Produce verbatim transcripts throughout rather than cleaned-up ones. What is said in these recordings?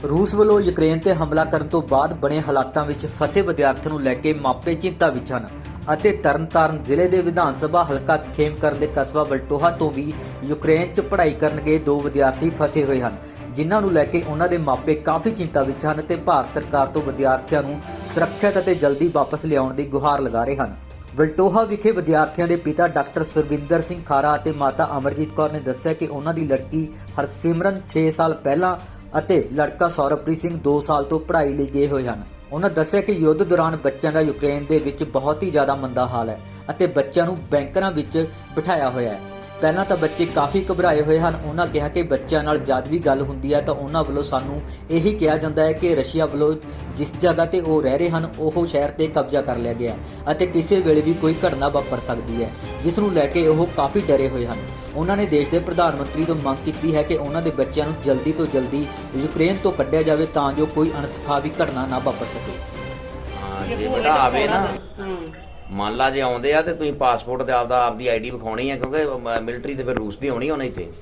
रूस ਵੱਲੋਂ ਯੂਕਰੇਨ ਤੇ ਹਮਲਾ ਕਰਨ ਤੋਂ ਬਾਅਦ ਬਣੇ ਹਾਲਾਤਾਂ ਵਿੱਚ ਫਸੇ ਵਿਦਿਆਰਥੀਆਂ ਨੂੰ ਲੈ ਕੇ ਮਾਪੇ ਚਿੰਤਾ ਵਿੱਚ ਹਨ ਅਤੇ ਤਰਨਤਾਰਨ ਜ਼ਿਲ੍ਹੇ ਦੇ ਵਿਧਾਨ ਸਭਾ ਹਲਕਾ ਖੇਮਕਰਨ ਦੇ ਕਸਬਾ ਬਲਟੋਹਾ ਤੋਂ ਵੀ ਯੂਕਰੇਨ 'ਚ ਪੜ੍ਹਾਈ ਕਰਨ ਗਏ ਦੋ ਵਿਦਿਆਰਥੀ ਫਸੇ ਹੋਏ ਹਨ, ਜਿਨ੍ਹਾਂ ਨੂੰ ਲੈ ਕੇ ਉਹਨਾਂ ਦੇ ਮਾਪੇ ਕਾਫੀ ਚਿੰਤਾ ਵਿੱਚ ਹਨ ਤੇ ਭਾਰਤ ਸਰਕਾਰ ਤੋਂ ਵਿਦਿਆਰਥੀਆਂ ਨੂੰ ਸੁਰੱਖਿਅਤ ਅਤੇ ਜਲਦੀ ਵਾਪਸ ਲਿਆਉਣ ਦੀ ਗੁਹਾਰ ਲਗਾ ਰਹੇ ਹਨ। ਬਲਟੋਹਾ ਵਿਖੇ ਵਿਦਿਆਰਥੀਆਂ ਦੇ ਪਿਤਾ ਡਾਕਟਰ ਸੁਰਵਿੰਦਰ ਸਿੰਘ ਖਾਰਾ ਅਤੇ ਮਾਤਾ ਅਮਰਜੀਤ ਕੌਰ ਨੇ ਦੱਸਿਆ ਕਿ ਉਹਨਾਂ ਦੀ ਲੜਕੀ ਹਰਸਿਮਰਨ ਛੇ ਸਾਲ ਪਹਿਲਾਂ ਅਤੇ ਲੜਕਾ ਸੌਰਵਪ੍ਰੀਤ ਸਿੰਘ ਦੋ ਸਾਲ ਤੋਂ ਪੜ੍ਹਾਈ ਲਈ ਗਏ ਹੋਏ ਹਨ। ਉਹਨਾਂ ਦੱਸਿਆ ਕਿ ਯੁੱਧ ਦੌਰਾਨ ਬੱਚਿਆਂ ਦਾ ਯੂਕਰੇਨ ਦੇ ਵਿੱਚ ਬਹੁਤ ਹੀ ਜ਼ਿਆਦਾ ਮੰਦਾ ਹਾਲ ਹੈ ਅਤੇ ਬੱਚਿਆਂ ਨੂੰ ਬੈਂਕਰਾਂ ਵਿੱਚ ਬਿਠਾਇਆ ਹੋਇਆ ਹੈ। ਪਹਿਲਾਂ ਤਾਂ ਬੱਚੇ ਕਾਫੀ ਘਬਰਾਏ ਹੋਏ ਹਨ। ਉਹਨਾਂ ਕਿਹਾ ਕਿ ਬੱਚਿਆਂ ਨਾਲ ਜਦ ਵੀ ਗੱਲ ਹੁੰਦੀ ਹੈ ਤਾਂ ਉਹਨਾਂ ਵੱਲੋਂ ਸਾਨੂੰ ਇਹੀ ਕਿਹਾ ਜਾਂਦਾ ਹੈ ਕਿ ਰਸ਼ੀਆ ਵੱਲੋਂ ਜਿਸ ਜਗ੍ਹਾ ਤੇ ਉਹ ਰਹਿ ਰਹੇ ਹਨ ਉਹ ਸ਼ਹਿਰ ਤੇ ਕਬਜ਼ਾ ਕਰ ਲਿਆ ਗਿਆ ਅਤੇ ਕਿਸੇ ਵੇਲੇ ਵੀ ਕੋਈ ਘਟਨਾ ਵਾਪਰ ਸਕਦੀ ਹੈ, ਜਿਸ ਨੂੰ ਲੈ ਕੇ ਉਹ ਕਾਫੀ ਡਰੇ ਹੋਏ ਹਨ। ਉਹਨਾਂ ਨੇ ਦੇਸ਼ ਦੇ ਪ੍ਰਧਾਨ ਮੰਤਰੀ ਤੋਂ ਮੰਗ ਕੀਤੀ ਹੈ ਕਿ ਉਹਨਾਂ ਦੇ ਬੱਚਿਆਂ ਨੂੰ ਜਲਦੀ ਤੋਂ ਜਲਦੀ ਯੂਕਰੇਨ ਤੋਂ ਕੱਢਿਆ ਜਾਵੇ ਤਾਂ ਜੋ ਕੋਈ ਅਣਸੁਖਾਵੀ ਘਟਨਾ ਨਾ ਵਾਪਰ ਸਕੇ। ਹਾਂ ਜੇ ਬੇਟਾ ਆਵੇ ਨਾ, ਮੰਨ ਲਾ ਜੇ ਆਉਂਦੇ ਆ ਤੇ ਤੁਸੀਂ ਪਾਸਪੋਰਟ ਤੇ ਆਪਦਾ ਆਪਦੀ ਆਈਡੀ ਵਿਖਾਉਣੀ ਆ, ਕਿਉਂਕਿ ਮਿਲਟਰੀ ਤੇ ਫਿਰ ਰੂਸ ਦੀ ਹੋਣੀ ਹੋਣਾ ਇੱਥੇ।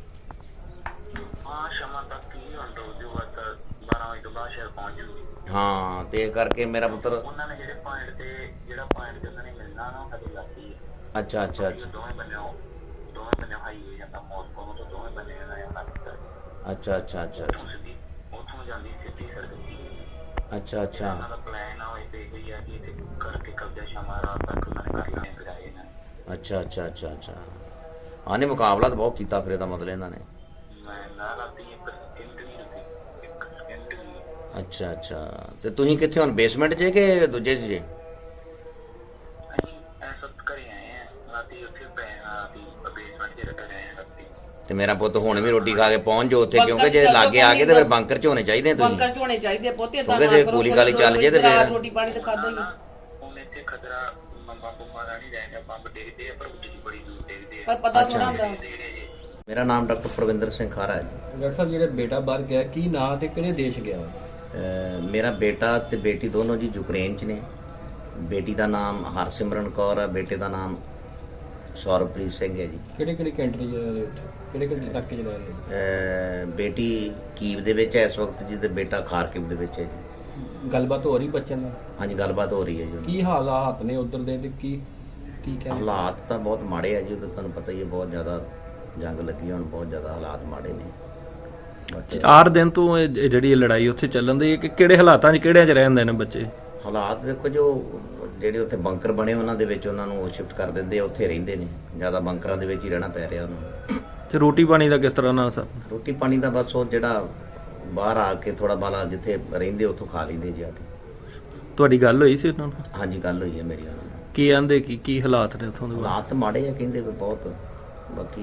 ਹਾਂ ਸ਼ਾਮਾਂ ਤੱਕ ਹੀ ਹੁੰਦਾ ਉਹਦੇ ਬਾਅਦ ਬਾਰਾਂ ਵਜੇ ਤੋਂ ਬਾਅਦ ਸ਼ਹਿਰ ਪਹੁੰਚ ਜੂਗੀ। ਹਾਂ ਤੇ ਇਹ ਕਰਕੇ ਮੇਰਾ ਪੁੱਤਰ ਉਹਨਾਂ ਨੇ ਜਿਹੜੇ ਪੁਆਇੰਟ ਤੇ ਜਿਹੜਾ ਪੁਆਇੰਟ ਤੇ ਉਹਨਾਂ ਨੇ ਮਿਲਣਾ ਨਾ ਸਾਡੇ ਲਾਗੀ ਹੈ। ਅੱਛਾ ਅੱਛਾ ਅੱਛਾ ਦੋਵੇਂ ਬੰਨਿਓ ਦੋਵੇਂ ਬੰਨਿਓ ਹਾਈਵੇ ਜਾਂਦਾ ਮੋਸਕੋ ਨੂੰ, ਤਾਂ ਦੋਵੇਂ ਬੰਨੇ ਨਾ ਜਾਂਦਾ ਅੱਛਾ ਅੱਛਾ ਅੱਛਾ ਅੱਛਾ ਉੱਥੋਂ ਜਾਂਦੀ ਸਿੱਧੀ ਸੜਕ ਦੀ। ਅੱਛਾ ਅੱਛਾ ਉਹਨਾਂ ਦਾ ਪਲਾਨ ਆ ਹੋਏ ਤੇ ਇਹ ਹੈ ਕਿ ਇੱਥੇ ਕਰਕੇ ਕਬਜ਼ਾ ਸ਼ਾਮਾਂ ਰਾਤ ਤੱਕ ਉਹਨਾਂ ਨੇ ਕਰ ਲੈਣੇ ਕਰਾਏ ਨੇ। ਅੱਛਾ ਅੱਛਾ ਅੱਛਾ ਅੱਛਾ ਆਨੇ ਮੁਕਾਬਲਾ ਤਾਂ ਬਹੁਤ ਕੀਤਾ ਫਿਰ ਇਹਦਾ ਮਤਲਬ ਇਹਨਾਂ ਨੇ। ਮੈਂ ਨਾ ਰਾਤੀ ਇੱਕ ਸਕਿੰਟ ਵੀ ਰੱਖੀ, ਇੱਕ ਸਕਿੰਟ ਵੀ। ਅੱਛਾ ਅੱਛਾ ਤੇ ਤੁਸੀਂ ਕਿੱਥੇ ਹੁਣ ਬੇਸਮੈਂਟ 'ਚ ਕਿ ਦੂਜੇ 'ਚ ਜੇ? ਅਸੀਂ ਐਸ ਵਕਤ ਘਰੇ ਆਏ ਆ, ਰਾਤੀ ਉੱਥੇ ਪਏ ਆ, ਰਾਤੀ ਬੇਸਮੈਂਟ 'ਚ ਰੱਖ ਰਹੇ ਆ ਰਾਤੀ। ਤੇ ਮੇਰਾ ਪੁੱਤ ਹੁਣ ਵੀ ਰੋਟੀ ਖਾ ਕੇ ਪਹੁੰਚ ਜਾਓ ਉੱਥੇ, ਕਿਉਂਕਿ ਜੇ ਲਾਗੇ ਆ ਗਏ ਤੇ ਫਿਰ ਬੰਕਰ 'ਚ ਹੋਣੇ ਚਾਹੀਦੇ ਤੁਸੀਂ। ਬੰਕਰ 'ਚ ਹੋਣੇ ਚਾਹੀਦੇ ਪੋਤੇ ਤਾਂ ਕਿਉਂਕਿ ਜੇ ਗੋਲੀ ਗਾਲੀ ਚੱਲ ਜੇ ਤੇ ਫਿਰ ਰੋਟੀ ਪਾਣੀ ਤਾਂ ਖਾਦਾ ਹੀ। ਹੁਣ ਇੱਥੇ ਖਤਰਾ ਮੰਮਾ ਬੰਮਾ ਦਾ ਨਹੀਂ ਰਹਿੰਦਾ, ਬੰਬ ਡੇਗਦੇ ਆ ਪਰ ਉੱਚੀ ਬੜੀ ਦੂਰ ਡੇਗਦੇ ਆ। ਪਰ ਪਤਾ ਥੋੜਾ ਹੁੰਦਾ। ਮੇਰਾ ਨਾਮ ਡਾਕਟਰ ਪ੍ਰਵਿੰਦਰ ਸਿੰਘ ਖਾਰਾ ਹੈ ਜੀ। ਡਾਕਟਰ ਸਾਹਿਬ ਜਿਹੜਾ ਬੇਟਾ ਬਾਹਰ ਗਿਆ ਕੀ ਨਾਂ ਤੇ ਕਿਹੜੇ ਦੇਸ਼ ਗਿਆ? ਅਹ ਮੇਰਾ ਬੇਟਾ ਤੇ ਬੇਟੀ ਦੋਨੋਂ ਜੀ ਯੂਕਰੇਨ 'ਚ ਨੇ। ਬੇਟੀ ਦਾ ਨਾਮ ਹਰਸਿਮਰਨ ਕੌਰ ਹੈ, ਬੇਟੇ ਦਾ ਨਾਮ ਸੌਰਵਪ੍ਰੀਤ ਸਿੰਘ ਹੈ ਜੀ। ਕਿਹੜੇ ਕਿਹੜੇ ਕੰਟਰੀ ਜਾ ਰਹੇ ਉੱਥੇ, ਕਿਹੜੇ ਕਿਹੜੇ ਇਲਾਕੇ 'ਚ ਰਹਿ ਰਹੇ? ਅਹ ਬੇਟੀ ਕੀਵ ਦੇ ਵਿੱਚ ਹੈ ਇਸ ਵਕਤ ਜੀ ਤੇ ਬੇਟਾ ਖਾਰਕਿਵ ਦੇ ਵਿੱਚ ਹੈ ਜੀ। ਗੱਲਬਾਤ ਹੋ ਰਹੀ ਬੱਚਿਆਂ ਨਾਲ? ਹਾਂਜੀ ਗੱਲਬਾਤ ਹੋ ਰਹੀ ਹੈ ਜੀ। ਕੀ ਹਾਲਾਤ ਨੇ ਉਧਰ ਦੇ ਤੇ ਕੀ ਕੀ ਕਹਿੰਦੇ? ਹਾਲਾਤ ਤਾਂ ਬਹੁਤ ਮਾੜੇ ਆ ਜੀ, ਉਧਰ ਤੁਹਾਨੂੰ ਪਤਾ ਹੀ ਹੈ ਬਹੁਤ ਜ਼ਿਆਦਾ ਜੰਗ ਲੱਗੀ, ਹੁਣ ਬਹੁਤ ਜ਼ਿਆਦਾ ਹਾਲਾਤ ਮਾੜੇ ਨੇ। ਬਟ ਚਾਰ ਦਿਨ ਤੋਂ ਇਹ ਜਿਹੜੀ ਇਹ ਲੜਾਈ ਉੱਥੇ ਚੱਲਣ ਦੀ ਹੈ ਕਿ ਕਿਹੜੇ ਹਾਲਾਤਾਂ 'ਚ ਕਿਹੜਿਆਂ 'ਚ ਰਹਿੰਦੇ ਨੇ ਬੱਚੇ? ਹਾਲਾਤ ਵੇਖੋ, ਜੋ ਜਿਹੜੇ ਉੱਥੇ ਬੰਕਰ ਬਣੇ ਉਹਨਾਂ ਦੇ ਵਿੱਚ ਉਹਨਾਂ ਨੂੰ ਸ਼ਿਫਟ ਕਰ ਦਿੰਦੇ ਆ, ਉੱਥੇ ਰਹਿੰਦੇ ਨੇ। ਜ਼ਿਆਦਾ ਬੰਕਰਾਂ ਦੇ ਵਿੱਚ ਹੀ ਰਹਿਣਾ ਪੈ ਰਿਹਾ ਉਹਨੂੰ। ਤੇ ਰੋਟੀ ਪਾਣੀ ਦਾ ਕਿਸ ਤਰ੍ਹਾਂ ਨਾਲ ਸਭ? ਰੋਟੀ ਪਾਣੀ ਦਾ ਬਸ ਉਹ ਜਿਹੜਾ ਬਾਹਰ ਆ ਕੇ ਥੋੜਾ ਬਾਲਾ ਜਿੱਥੇ ਰਹਿੰਦੇ ਉੱਥੋਂ ਖਾ ਲੈਂਦੇ ਜੀ ਆ ਕੇ। ਤੁਹਾਡੀ ਗੱਲ ਹੋਈ ਸੀ ਉਹਨਾਂ ਨਾਲ? ਹਾਂਜੀ ਗੱਲ ਹੋਈ ਹੈ ਮੇਰੀ ਉਹਨਾਂ ਨਾਲ। ਕੀ ਆਂਦੇ ਕੀ ਕੀ ਹਾਲਾਤ ਨੇ ਉੱਥੋਂ ਦੇ? ਹਾਲਾਤ ਮਾੜੇ ਆ ਕਹਿੰਦੇ ਵੀ ਬਹੁਤ। ਬਾਕੀ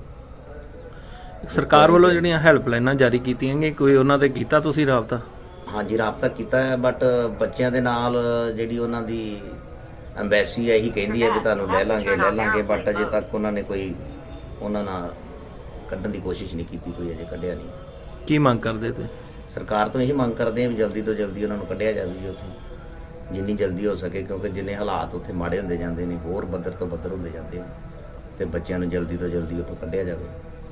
ਸਰਕਾਰ ਵੱਲੋਂ ਜਿਹੜੀਆਂ ਹੈਲਪਲਾਈਨਾਂ ਜਾਰੀ ਕੀਤੀਆਂ ਗਈਆਂ, ਕੋਈ ਉਹਨਾਂ ਤੇ ਕੀਤਾ ਤੁਸੀਂ ਰਾਬਤਾ? ਹਾਂਜੀ ਰਾਬਤਾ ਕੀਤਾ ਹੈ, ਬਟ ਬੱਚਿਆਂ ਦੇ ਨਾਲ ਜਿਹੜੀ ਉਹਨਾਂ ਦੀ ਐਮਬੈਸੀ ਹੈ ਇਹੀ ਕਹਿੰਦੀ ਹੈ ਕਿ ਤੁਹਾਨੂੰ ਲੈ ਲਾਂਗੇ ਲੈ ਲਾਂਗੇ, ਬਟ ਅਜੇ ਤੱਕ ਉਹਨਾਂ ਨੇ ਕੋਈ ਉਹਨਾਂ ਨਾਲ ਕੱਢਣ ਦੀ ਕੋਸ਼ਿਸ਼ ਨਹੀਂ ਕੀਤੀ, ਕੋਈ ਅਜੇ ਕੱਢਿਆ ਨਹੀਂ। ਕੀ ਮੰਗ ਕਰਦੇ ਤੁਸੀਂ? ਸਰਕਾਰ ਤੋਂ ਇਹੀ ਮੰਗ ਕਰਦੇ ਆ ਵੀ ਜਲਦੀ ਤੋਂ ਜਲਦੀ ਉਹਨਾਂ ਨੂੰ ਕੱਢਿਆ ਜਾਵੇ ਜੀ ਉੱਥੋਂ, ਜਿੰਨੀ ਜਲਦੀ ਹੋ ਸਕੇ, ਕਿਉਂਕਿ ਜਿੰਨੇ ਹਾਲਾਤ ਉੱਥੇ ਮਾੜੇ ਹੁੰਦੇ ਜਾਂਦੇ ਨੇ ਹੋਰ ਬੱਦਰ ਤੋਂ ਬੱਦਰ ਹੁੰਦੇ ਜਾਂਦੇ ਨੇ, ਤੇ ਬੱਚਿਆਂ ਨੂੰ ਜਲਦੀ ਤੋਂ ਜਲਦੀ ਉੱਥੋਂ ਕੱਢਿਆ ਜਾਵੇ।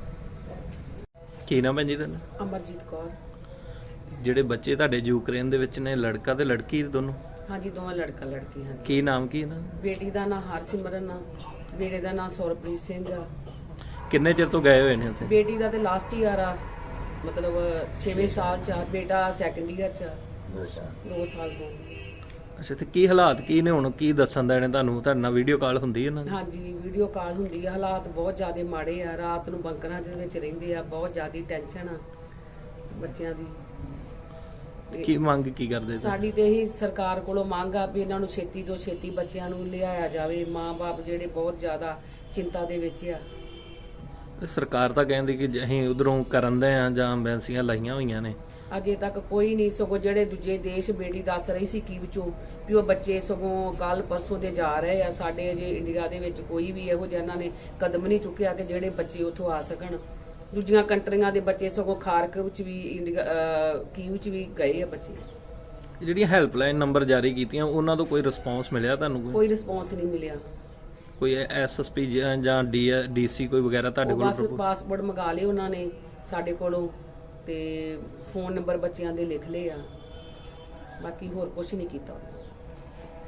ਕੀ ਨਾਮ ਹੈ ਜੀ ਤੁਹਾਡਾ? ਅਮਰਜੀਤ ਕੌਰ। ਜਿਹੜੇ ਬੱਚੇ ਤੁਹਾਡੇ ਯੂਕਰੇਨ ਦੇ ਵਿੱਚ ਨੇ, ਲੜਕਾ ਤੇ ਲੜਕੀ ਦੋਨੋਂ? ਹਾਂਜੀ ਦੋਵਾਂ ਲੜਕਾ ਲੜਕੀ ਹਨ। ਕੀ ਨਾਮ ਕੀ ਇਹਨਾਂ ਦਾ? ਬੇਟੀ ਦਾ ਨਾਂ ਹਰਸਿਮਰਨ ਆ, ਬੇਟੇ ਦਾ ਨਾਂ ਸੌਰਵਪ੍ਰੀਤ ਸਿੰਘ ਆ। ਕਿੰਨੇ ਚਿਰ ਤੋਂ ਗਏ ਹੋਏ ਨੇ ਉੱਥੇ? ਬੇਟੀ ਦਾ ਤੇ ਲਾਸਟ ਈਅਰ ਆ, ਮਤਲਬ ਛੇਵੇਂ ਸਾਲ ਚ ਆ, ਬੇਟਾ ਸੈਕੰਡ ਈਅਰ ਚ ਆ, ਦੋ ਸਾਲ ਤੋਂ। ਅੱਛਾ ਤੇ ਕੀ ਹਾਲਾਤ ਕੀ ਨੇ ਹੁਣ? ਕੀ ਦੱਸਣ ਦਾ ਇਹਨੇ ਤੁਹਾਨੂੰ? ਤੁਹਾਡੇ ਨਾਲ ਵੀਡੀਓ ਕਾਲ ਹੁੰਦੀ ਹੈ ਇਹਨਾਂ ਦੀ? ਹਾਂਜੀ ਵੀਡੀਓ ਕਾਲ ਹੁੰਦੀ ਆ। ਹਾਲਾਤ ਬਹੁਤ ਜ਼ਿਆਦਾ ਮਾੜੇ ਆ, ਰਾਤ ਨੂੰ ਬੰਕਰਾਂ ਦੇ ਵਿੱਚ ਰਹਿੰਦੇ ਆ, ਬਹੁਤ ਜ਼ਿਆਦਾ ਟੈਨਸ਼ਨ ਆ ਬੱਚਿਆਂ ਦੀ। ਕੀ ਮੰਗ ਕੀ ਕਰਦੇ ਤੁਸੀਂ? ਸਾਡੀ ਤੇ ਇਹੀ ਸਰਕਾਰ ਕੋਲੋਂ ਮੰਗ ਆ ਵੀ ਇਹਨਾਂ ਨੂੰ ਛੇਤੀ ਤੋਂ ਛੇਤੀ ਬੱਚਿਆਂ ਨੂੰ ਲਿਆਇਆ ਜਾਵੇ। ਮਾਂ-ਬਾਪ ਜਿਹੜੇ ਬਹੁਤ ਜ਼ਿਆਦਾ ਚਿੰਤਾ ਦੇ ਵਿੱਚ ਆ। ਸਰਕਾਰ ਤਾਂ ਕਹਿੰਦੀ ਕਿ ਅਸੀਂ ਉਧਰੋਂ ਕਰਨ ਦੇ ਆ ਜਾਂ ਐਮਬੈਸੀਆਂ ਲਾਈਆਂ ਹੋਈਆਂ ਨੇ। ਅਜੇ ਤੱਕ ਕੋਈ ਨਹੀਂ, ਸਗੋਂ ਜਿਹੜੇ ਦੂਜੇ ਦੇਸ਼ ਬੇਟੀ ਦੱਸ ਰਹੀ ਸੀ ਕੀ ਵਿੱਚੋਂ ਵੀ ਉਹ ਬੱਚੇ ਸਗੋਂ ਕੱਲ ਪਰਸੋਂ ਦੇ ਜਾ ਰਹੇ ਆ। ਸਾਡੇ ਅਜੇ ਇੰਡੀਆ ਦੇ ਵਿੱਚ ਕੋਈ ਵੀ ਇਹੋ ਜਿਹਾ ਇਹਨਾਂ ਨੇ ਕਦਮ ਨਹੀਂ ਚੁੱਕਿਆ ਕਿ ਜਿਹੜੇ ਬੱਚੇ ਉੱਥੋਂ ਆ ਸਕਣ। ਦੂਜੀਆਂ ਕੰਟਰੀਆਂ ਦੇ ਬੱਚੇ ਸਗੋਂ ਖਾਰਕਿਵ ਵਿੱਚ ਵੀ, ਇੰਡੀਆ ਕੀਵ ਵਿੱਚ ਵੀ ਗਏ ਆ ਬੱਚੇ। ਜਿਹੜੀਆਂ ਹੈਲਪਲਾਈਨ ਨੰਬਰ ਜਾਰੀ ਕੀਤੀਆਂ ਉਹਨਾਂ ਤੋਂ ਕੋਈ ਰਿਸਪੌਂਸ ਮਿਲਿਆ ਤੁਹਾਨੂੰ? ਕੋਈ ਕੋਈ ਰਿਸਪੌਂਸ ਨਹੀਂ ਮਿਲਿਆ। ਕੋਈ ਐਸਐਸਪੀ ਜਾਂ ਡੀ ਡੀਸੀ ਕੋਈ ਵਗੈਰਾ ਤੁਹਾਡੇ ਉਹ ਕੋਲ? ਬਸ ਪਾਸਪੋਰਟ ਮੰਗਾ ਲਏ ਉਹਨਾਂ ਨੇ ਸਾਡੇ ਕੋਲੋਂ, ਤੇ ਫੋਨ ਨੰਬਰ ਬੱਚਿਆਂ ਦੇ ਲਿਖ ਲਏ ਆ, ਬਾਕੀ ਹੋਰ ਕੁਝ ਨਹੀਂ ਕੀਤਾ।